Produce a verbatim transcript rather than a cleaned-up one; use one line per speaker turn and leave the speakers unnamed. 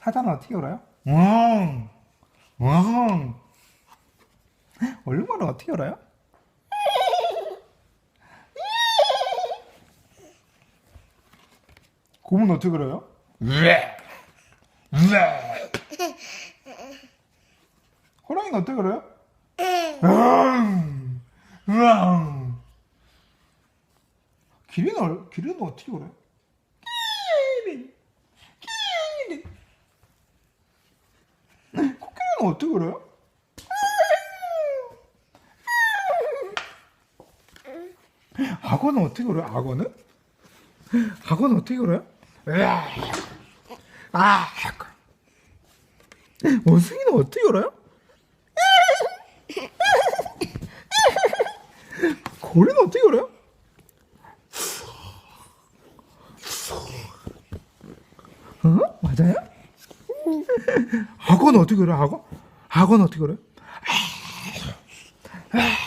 사자는 어떻게 울어요? 왕, 왕. 얼룩말은 어떻게 울어요? 곰은 어떻게 울어요? 으에, 으에. 호랑이는 어떻게 울어요? 으앙, 으앙. 기린은, 얼- 기린은 어떻게 울어요? 기린, 기린. 코끼리는 어떻게 울어요? 악어는 어떻게 울어요? 악어는? 악어는 어떻게 울어요? 으아, 아, 원숭이는 어떻게 울어요? 고래는 어떻게 울어요? 어? 맞아요? 악어는 어떻게 울어요? 악어? 악어는 어떻게 울어요?